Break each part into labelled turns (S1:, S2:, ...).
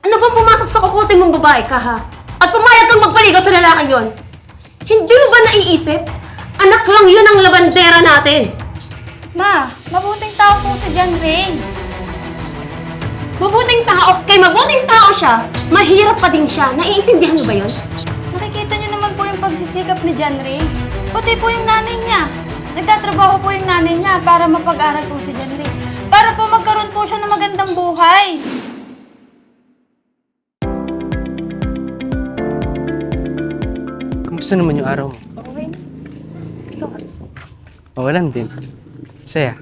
S1: Ano bang pumasok sa kukote mong babae ka, ha? At pumayag kang magpaligaw sa lalaking yon? Hindi mo ba naiisip? Anak lang yun ang labandera natin.
S2: Ma, mabuting tao po si John Ray.
S1: Mabuting tao, kay mabuting tao siya, mahirap pa din siya. Naiintindihan mo ba yun?
S2: Nakikita niyo naman po yung pagsisikap ni John Ray. Pati po yung nanay niya. Nagtatrabaho po yung nanay niya para mapag-aral po si John Ray. Para po magkaroon po siya ng magandang buhay.
S3: Kamusta naman yung araw mo?
S2: Okay. Ikaw,
S3: Mawalan din. Saya.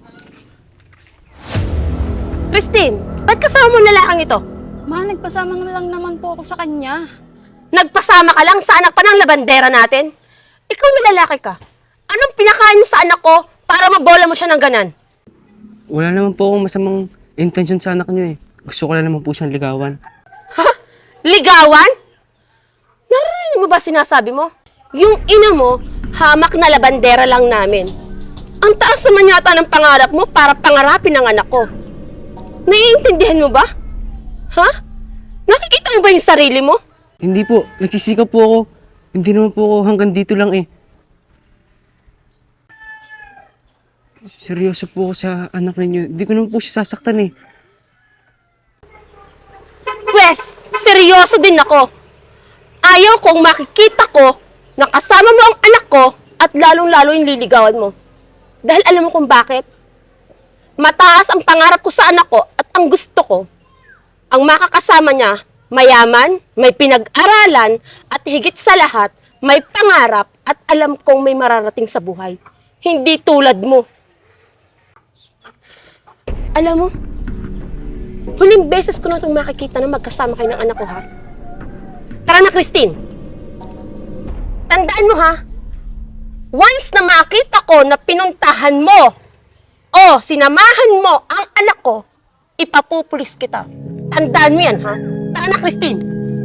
S1: Christine, ba't kasama mo ang lalaking ito?
S2: Ma, nagpasama na lang naman po ako sa kanya.
S1: Nagpasama ka lang sa anak pa ng labandera natin? Ikaw na lalaki ka. Anong pinakain mo sa anak ko para mabola mo siya ng ganan?
S3: Wala naman po akong masamang intention sa anak niyo eh. Gusto ko lang naman po siyang ligawan.
S1: Ha? Ligawan? Narinig mo ba sinasabi mo? Yung ina mo, hamak na labandera lang namin. Ang taas naman yata ng pangarap mo para pangarapin ang anak ko. Naiintindihan mo ba? Ha? Nakikita mo ba yung sarili mo?
S3: Hindi po, nagsisikap po ako. Hindi naman po ako hanggang dito lang eh. Seryoso po ako sa anak ninyo. Hindi ko naman po siya sasaktan eh.
S1: Pwes, seryoso din ako. Ayaw kong makikita ko na kasama mo ang anak ko at lalong-lalo yung liligawan mo. Dahil alam mo kung bakit? Mataas ang pangarap ko sa anak ko at ang gusto ko, ang makakasama niya, mayaman, may pinag-aralan, at higit sa lahat, may pangarap at alam kong may mararating sa buhay. Hindi tulad mo. Alam mo, huling beses ko na itong makikita na magkasama kayo ng anak ko, ha? Tara na, Christine. Tandaan mo, ha? Once na makita ko na pinuntahan mo o sinamahan mo ang anak ko, ipapupulis kita. Tandaan mo yan, ha? Tara na, Christine.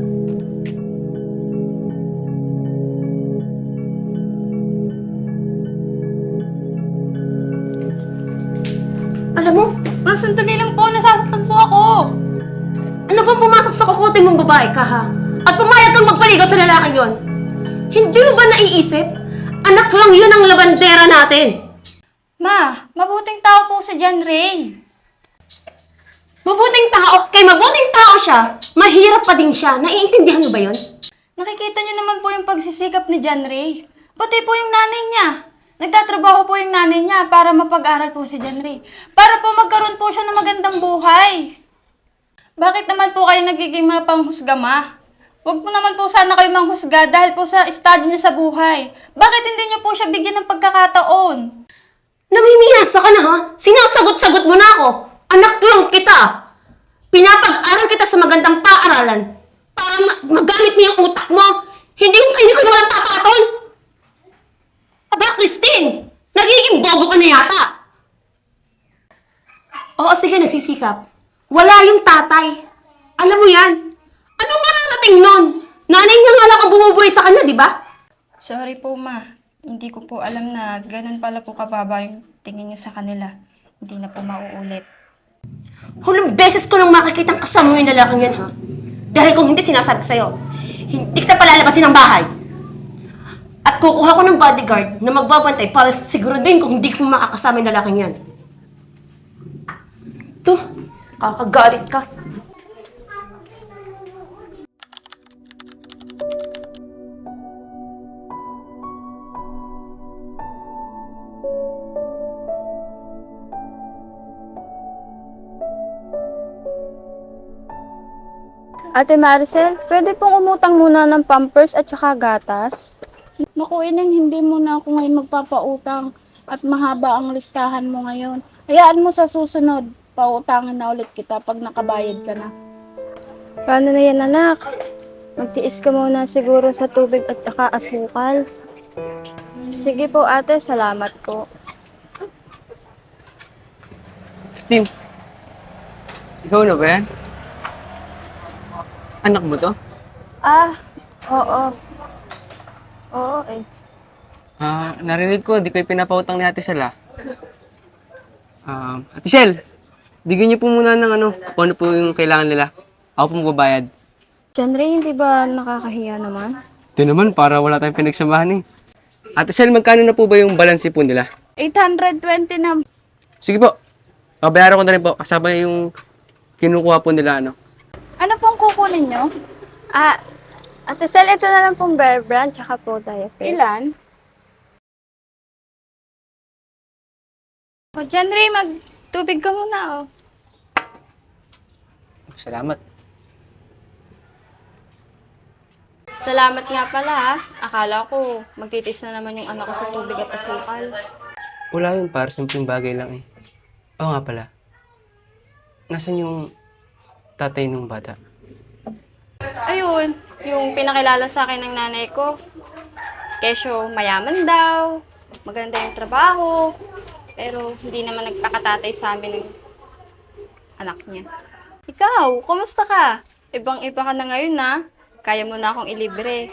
S1: Alam mo,
S2: Ma, sandali lang po. Nasasaktan po ako.
S1: ano bang pumasok sa kukote mong babae ka, ha? At pumayag kang magpaligaw sa lalaking yon? Hindi mo ba naiisip? Anak lang yun ang labandera natin.
S2: Ma, mabuting tao po si John Ray.
S1: Mabuting tao, kay mabuting tao siya, mahirap pa din siya. Naiintindihan mo ba yun?
S2: Nakikita niyo naman po yung pagsisikap ni John Ray. Pati po yung nanay niya. Nagtatrabaho po yung nanay niya para mapag-aral po si John Ray. Para po magkaroon po siya ng magandang buhay. Bakit naman po kayo nagiging mga panghusga, ma? Huwag po naman po sana kayo manghusga dahil po sa estado niya sa buhay. Bakit hindi niyo po siya bigyan ng pagkakataon?
S1: Namimiyasa ka na, ha? Sinasagot-sagot mo na ako. Anak lang kita. Pinapag-aral kita sa magandang paaralan para magamit mo yung utak mo. Hindi ko walang tapaton. Aba, Christine! Nagiging bobo ka na yata. Oo, sige, nagsisikap. Wala yung tatay. Alam mo yan. Anong mararating nun? Nanay niya nga lang ang bumubuhay sa kanya, di ba?
S2: Sorry po, ma. Hindi ko po alam na ganun pala po kababa yung tingin niyo sa kanila. Hindi na po mauulit.
S1: Huling beses ko nang makikitang kasama mo yung lalaking yan, ha? Dahil kung hindi, sinasabi ko sa'yo, hindi kita palalabasin ng bahay. At kukuha ko ng bodyguard na magbabantay para siguro din kung hindi ko makakasama yung lalaking yan. Ito, kakagalit ka.
S2: Ate Maricel, pwede pong umutang muna ng Pampers at saka gatas?
S4: Naku, Ineng, hindi mo na ako ngayon magpapautang at mahaba ang listahan mo ngayon. Hayaan mo sa susunod, pautangin na ulit kita pag nakabayad ka na.
S5: Paano na yan, anak? Magtiis ka muna siguro sa tubig at saka asukal. Sige po, ate. Salamat po.
S3: Christine, ikaw na ba yan? Anak mo to?
S5: Ah, oo. Oo eh.
S3: Narinig ko, di kayo pinapautang ni Ate Sel, Ate Sel, bigyan niyo po muna ng kung ano po yung kailangan nila. Ako po magbabayad.
S5: John Ray, hindi ba nakakahiya naman?
S3: Ito naman, para wala tayong pinagsamahan eh. Ate Sel, magkano na po ba yung balance po nila?
S4: 820 na.
S3: Sige po. Babayaran ko na rin po. Kasama yung kinukuha po nila, ano.
S4: Ano pong kukunin nyo?
S5: Ah, Ate Sel, ito na lang pong Bear Brand, tsaka po Diaper.
S4: Ilan?
S2: O, John Ray, magtubig ka muna, oh.
S3: Salamat.
S2: Salamat nga pala, ha. Akala ko, magtitis na naman yung anak ko sa tubig at asukal.
S3: Wala yun, para simpleng bagay lang eh. Oo nga pala. Nasaan yung tatay nung bata?
S2: Ayun, yung pinakilala sa akin ng nanay ko. Kesyo, mayaman daw, maganda yung trabaho, pero hindi naman nagpakatatay sa amin ng anak niya. Ikaw, kumusta ka? Ibang-iba ka na ngayon, na. Kaya mo na akong ilibre.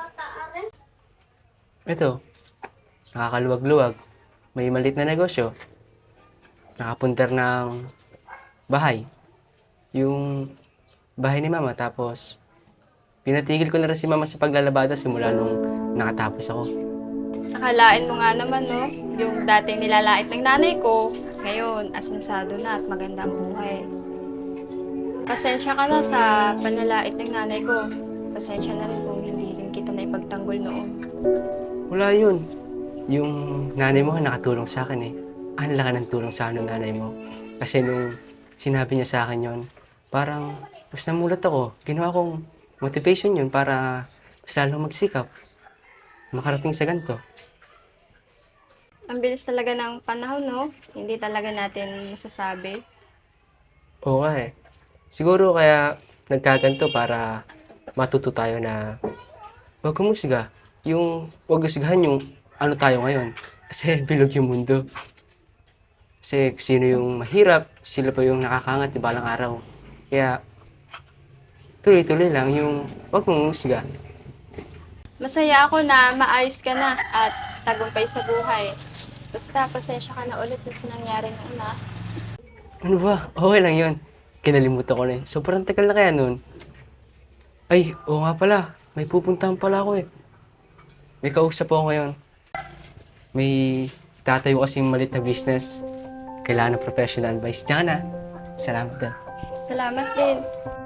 S3: Ito, nakakaluwag-luwag. May maliit na negosyo. Nakapunter ng bahay. Yung bahay ni mama. Tapos, pinatigil ko na rin si mama sa paglalabada simula nung nakatapos ako.
S2: Akalain mo nga naman, no? Yung dating nilalait ng nanay ko, ngayon, asensado na at maganda ang buhay. Pasensya ka na sa panlalait ng nanay ko. Pasensya na rin kung hindi rin kita na ipagtanggol noon.
S3: Wala yun. Yung nanay mo nakatulong sa akin eh. Ang laki ng tulong sa akin ng nanay mo. Kasi nung sinabi niya sa akin yon, parang mas namulat ako. Ginawa kong motivation yun para mas lalong magsikap. Makarating sa ganito.
S2: Ang bilis talaga ng panahon, no? Hindi talaga natin masasabi.
S3: Oo nga eh. Siguro kaya nagkaganto para matuto tayo na huwag kumusga. Yung huwag usgahan yung ano tayo ngayon. Kasi bilog yung mundo. Kasi sino yung mahirap, sila pa yung nakakangat sa balang araw. Kaya tuloy-tuloy lang yung huwag mong usga.
S2: Masaya ako na maayos ka na at tagumpay sa buhay. Basta, pasensya ka na ulit sa nangyari noon, ha?
S3: Ano ba? Okay lang yun. Kinalimutan ko na eh. Sobrang tagal na kaya nun. Ay, oo nga pala. May pupuntahan pala ako eh. May kausap ako ngayon. May tatayo kasing malit na business. Kailangan ng professional advice. Diyan ka na. Salamat din.
S2: Salamat din.